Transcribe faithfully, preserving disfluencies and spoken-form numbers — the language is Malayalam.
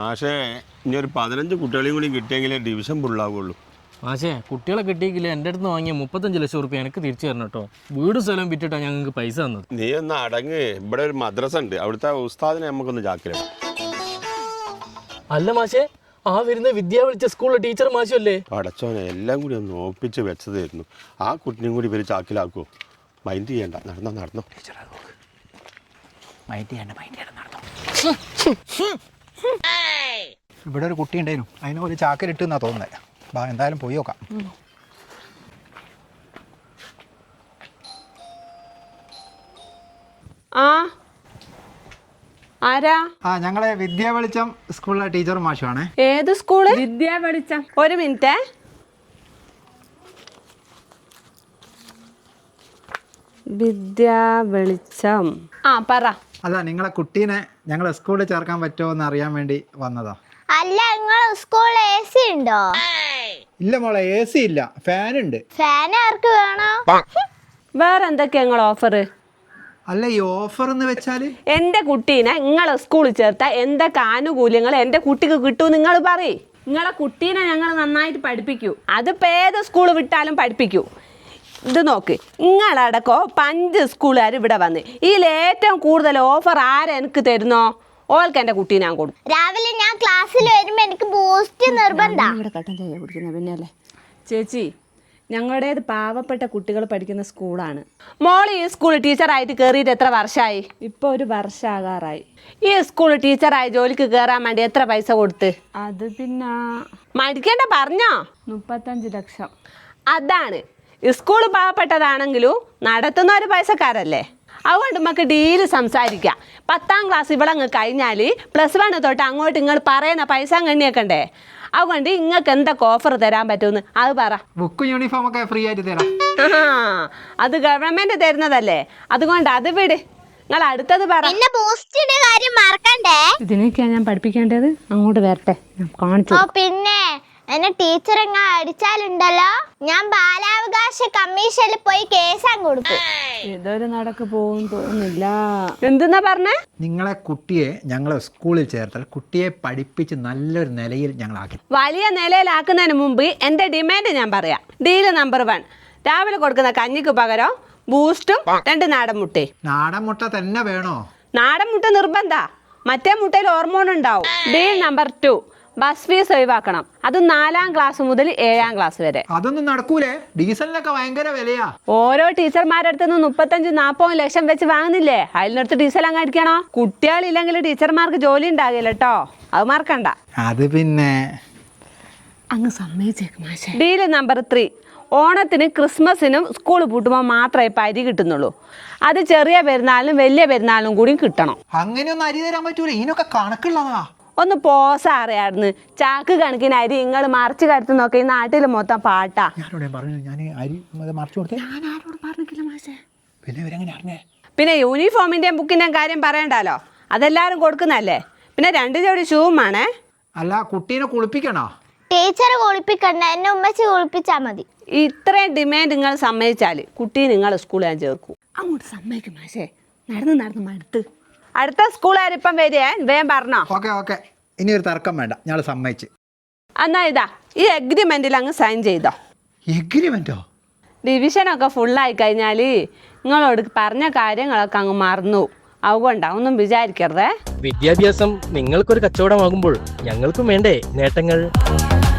പക്ഷേ ഇനി ഒരു പതിനഞ്ച് കുട്ടികളെയും കൂടി കിട്ടിയെങ്കിലേ ഡിവിഷൻ ഫുള്ളാവുള്ളൂ. പക്ഷേ കുട്ടികളെ കിട്ടിയെങ്കിൽ എൻ്റെ അടുത്ത് വാങ്ങിയ മുപ്പത്തഞ്ച് ലക്ഷം റുപ്യ എനിക്ക് തിരിച്ചു തരണം കേട്ടോ. വീട് സ്ഥലം വിറ്റിട്ടാണ് ഞങ്ങൾക്ക് പൈസ തന്നത്. നീ ഒന്ന് അടങ്ങ്. ഇവിടെ ഒരു മദ്രസ ഉണ്ട്, അവിടുത്തെ ഉസ്താദിനെ നമുക്കൊന്ന് ചാക്കിലിടാം. അല്ല മാഷേ, ആ വരുന്ന വിദ്യ വിളിച്ച സ്കൂളിലെ ടീച്ചർ മാഷല്ലേ? അടച്ചോനെ എല്ലാം കൂടി ഒന്ന് ഒപ്പിച്ച് വെച്ചതായിരുന്നു. ആ കുട്ടിനെയും കൂടി ഇവർ ചാക്കിലാക്കുമോ? മൈൻഡ് ചെയ്യണ്ട, നടന്നോ നടന്നോ. മൈൻഡ് ചെയ്യണ്ട മൈൻഡ് ചെയ്യണ്ട നടന്നോ. ഇവിടെ ഒരു കുട്ടി ഉണ്ടായിരുന്നു, അതിനെ ഒരു ചാക്കിലിട്ട് എന്നാ തോന്നുന്നത്. ബാ എന്തായാലും പോയി നോക്കാം. ആ ആരാ? ആ ഞങ്ങളെ വിദ്യാ വെളിച്ചം സ്കൂളിലെ ടീച്ചർ മാഷുവാണേ. ഏത് സ്കൂള്? വിദ്യാ വെളിച്ചം. ഒരു മിനിറ്റ്. വിദ്യാ വെളിച്ചം. ആ പറ. അല്ല, നിങ്ങളെ കുട്ടീനെ ഞങ്ങളെ സ്കൂളിൽ ചേർക്കാൻ പറ്റുമോ എന്ന് അറിയാൻ വേണ്ടി വന്നതാ. അല്ല, നിങ്ങളെ സ്കൂളിൽ എ സി ഉണ്ടോ? ഇല്ല മോളെ, എ സി ഇല്ല, ഫാൻ ഉണ്ട്. ഫാൻ ആർക്ക് വേണോ? വേറെ എന്തൊക്കെയാ നിങ്ങൾ ഓഫർ? അല്ല, ഈ ഓഫർ എന്ന് വെച്ചാല് എന്റെ കുട്ടീനെ നിങ്ങളെ സ്കൂളിൽ ചേർത്താൽ എന്തൊക്കെ ആനുകൂല്യങ്ങൾ എന്റെ കുട്ടിക്ക് കിട്ടൂ നിങ്ങൾ പറയ്. നിങ്ങളെ കുട്ടീനെ ഞങ്ങൾ നന്നായിട്ട് പഠിപ്പിക്കൂ. അതിപ്പോൾ ഏത് സ്കൂൾ വിട്ടാലും പഠിപ്പിക്കൂ. ഇത് നോക്ക്, നിങ്ങളടക്കോ പഞ്ച് സ്കൂളുകാർ ഇവിടെ വന്ന് ഇതിൽ ഏറ്റവും കൂടുതൽ ഓഫർ ആരെ എനിക്ക് തരുന്നോ ഓൾക്ക് എൻ്റെ കുട്ടീനെ ഞാൻ കൊടുക്കും. രാവിലെ ഞാൻ ക്ലാസ്സിൽ വരുമ്പോ എനിക്ക് ബൂസ്റ്റ് നിർബന്ധം. ഇവിടെ കട്ടൻ ചായ കുടിക്കുന്നത് പിന്നെയല്ലേ ചേച്ചി. ഞങ്ങളുടേത് പാവപ്പെട്ട കുട്ടികൾ പഠിക്കുന്ന സ്കൂളാണ്. മോൾ ഈ സ്കൂൾ ടീച്ചറായിട്ട് കയറിയിട്ട് എത്ര വർഷമായി? ഇപ്പോൾ ഒരു വർഷമാകാറായി. ഈ സ്കൂൾ ടീച്ചറായി ജോലിക്ക് കയറാൻ വേണ്ടി എത്ര പൈസ കൊടുത്ത്? അത് പിന്നെ മടിക്കേണ്ട പറഞ്ഞോ. മുപ്പത്തഞ്ച് ലക്ഷം. അതാണ് സ്കൂൾ പാവപ്പെട്ടതാണെങ്കിലും നടത്തുന്ന ഒരു പൈസക്കാരല്ലേ. അതുകൊണ്ട് നമുക്ക് ഡീല് സംസാരിക്കാം. പത്താം ക്ലാസ് ഇവിടെ അങ്ങ് കഴിഞ്ഞാൽ പ്ലസ് വൺ തൊട്ട് അങ്ങോട്ട് നിങ്ങൾ പറയുന്ന പൈസ കണ്ണിയേക്കണ്ടേ. അതുകൊണ്ട് നിങ്ങൾക്ക് എന്തൊക്കെ ഓഫർ തരാൻ പറ്റുമെന്ന് അത് പറ. ബുക്കും യൂണിഫോം ഒക്കെ ഫ്രീ ആയിട്ട് തരാം. അത് ഗവൺമെന്റ് തരുന്നതല്ലേ, അതുകൊണ്ട് അത് വിട്. നിങ്ങൾ അടുത്തത് പറ. ബൂസ്റ്റിന്റെ കാര്യം മറക്കണ്ടേ? ഇതിനൊക്കെയാണ് ഞാൻ പഠിപ്പിക്കേണ്ടത്. അങ്ങോട്ട് വരട്ടെ, കാണിച്ചു. പിന്നെ എന്നെ ടീച്ചർ എങ്ങാ അടിച്ചാലുണ്ടല്ലോ, ഞാൻ ബാലാവകാശ കമ്മീഷനിൽ പോയി കേസാൻ കൊടുക്കും. ഇതൊരു നടക്ക് പോകും തോന്നുന്നില്ല. എന്തെന്നാ പറഞ്ഞേ? നിങ്ങളെ കുട്ടിയെ ഞങ്ങളെ സ്കൂളിൽ ചേർത്താൽ കുട്ടിയെ പഠിപ്പിച്ച് നല്ലൊരു നിലയിൽ ഞങ്ങളാക്കി. വലിയ നിലയിലാക്കുന്നതിന് മുമ്പ് എൻ്റെ ഡിമാൻഡ് ഞാൻ പറയാം. ഡീല് നമ്പർ വൺ, രാവിലെ കൊടുക്കുന്ന കഞ്ഞിക്ക് പകരം ബൂസ്റ്റും രണ്ട് നാടൻ മുട്ടയും. നാടൻ മുട്ട തന്നെ വേണോ? നാടൻ മുട്ട നിർബന്ധ, മറ്റേ മുട്ടയിൽ ഹോർമോൺ ഉണ്ടാവും. Deal number two, bus fees ഒഴിവാക്കണം. അത് നാലാം ക്ലാസ് മുതൽ ഏഴാം ക്ലാസ് വരെ. അതൊന്നും നടക്കൂലേ, ഡീസലിനൊക്കെ ഭയങ്കര വിലയാ. ഓരോ ടീച്ചർമാരുടെ അടുത്ത് നിന്ന് മുപ്പത്തഞ്ച് നാൽപ്പത് ലക്ഷം വെച്ച് വാങ്ങുന്നില്ലേ, അതിനടുത്ത് ഡീസൽ അങ്ങ് അടിക്കണോ? കുട്ടികളില്ലെങ്കിൽ ടീച്ചർമാർക്ക് ജോലി ഉണ്ടാകില്ല കേട്ടോ, അത് മറക്കണ്ട. അത് പിന്നെ അങ്ങ് സമ്മതിച്ചേക്കും. ഡീല് നമ്പർ ത്രീ, ഓണത്തിന് ക്രിസ്മസിനും സ്കൂൾ പൂട്ടുമ്പോൾ മാത്രമേ ഇപ്പം അരി കിട്ടുന്നുള്ളൂ. അത് ചെറിയ പെരുന്നാളിനും വലിയ പെരുന്നാളിനും കൂടി കിട്ടണം. അങ്ങനെയൊന്നും അരി തരാൻ പറ്റൂല, ഇതിനൊക്കെ കണക്കുള്ളതാ. ഒന്ന് പോസ അറിയായിരുന്നു. ചാക്ക് കണക്കിന് അരി നിങ്ങൾ മറിച്ച് കരുത്ത് നോക്കി, ഈ നാട്ടിൽ മൊത്തം പാട്ടാ. പിന്നെ യൂണിഫോമിന്റെയും ബുക്കിന്റെയും കാര്യം പറയണ്ടല്ലോ, അതെല്ലാരും കൊടുക്കുന്നല്ലേ. പിന്നെ രണ്ട് ജോഡി ഷൂവും ആണേ. അല്ല, കുട്ടീനെ കുളിപ്പിക്കണോ? ടീച്ചർ കുളിപ്പിക്കണ്ട, എന്നെ ഉമ്മച്ചി കുളിപ്പിച്ചാ മതി. ഇത്രയും ഡിമാൻഡ് നിങ്ങൾ സമ്മതിച്ചാൽ കുട്ടി നിങ്ങൾ സ്കൂളിൽ ഞാൻ ചേർക്കും. അങ്ങോട്ട് സമ്മതിക്കും മാഷേ, നടന്ന് നടന്ന് മടുത്ത്. അടുത്ത സ്കൂളുകാരിപ്പം വരിക, വേഗം പറഞ്ഞോ. ഓക്കെ ഓക്കെ, ഇനി ഒരു തർക്കം വേണ്ട, ഞങ്ങൾ സമ്മതിച്ച്. എന്നാ ഇതാ ഈ എഗ്രിമെന്റിൽ അങ്ങ് സൈൻ ചെയ്തോ. എഗ്രിമെന്റോ? ഡിവിഷനൊക്കെ ഫുള്ളായി കഴിഞ്ഞാൽ നിങ്ങളോട് പറഞ്ഞ കാര്യങ്ങളൊക്കെ അങ്ങ് മറന്നു. അതുകൊണ്ടാ, ഒന്നും വിചാരിക്കരുതേ. വിദ്യാഭ്യാസം നിങ്ങൾക്കൊരു കച്ചവടമാകുമ്പോൾ ഞങ്ങൾക്കും വേണ്ടേ നേട്ടങ്ങൾ?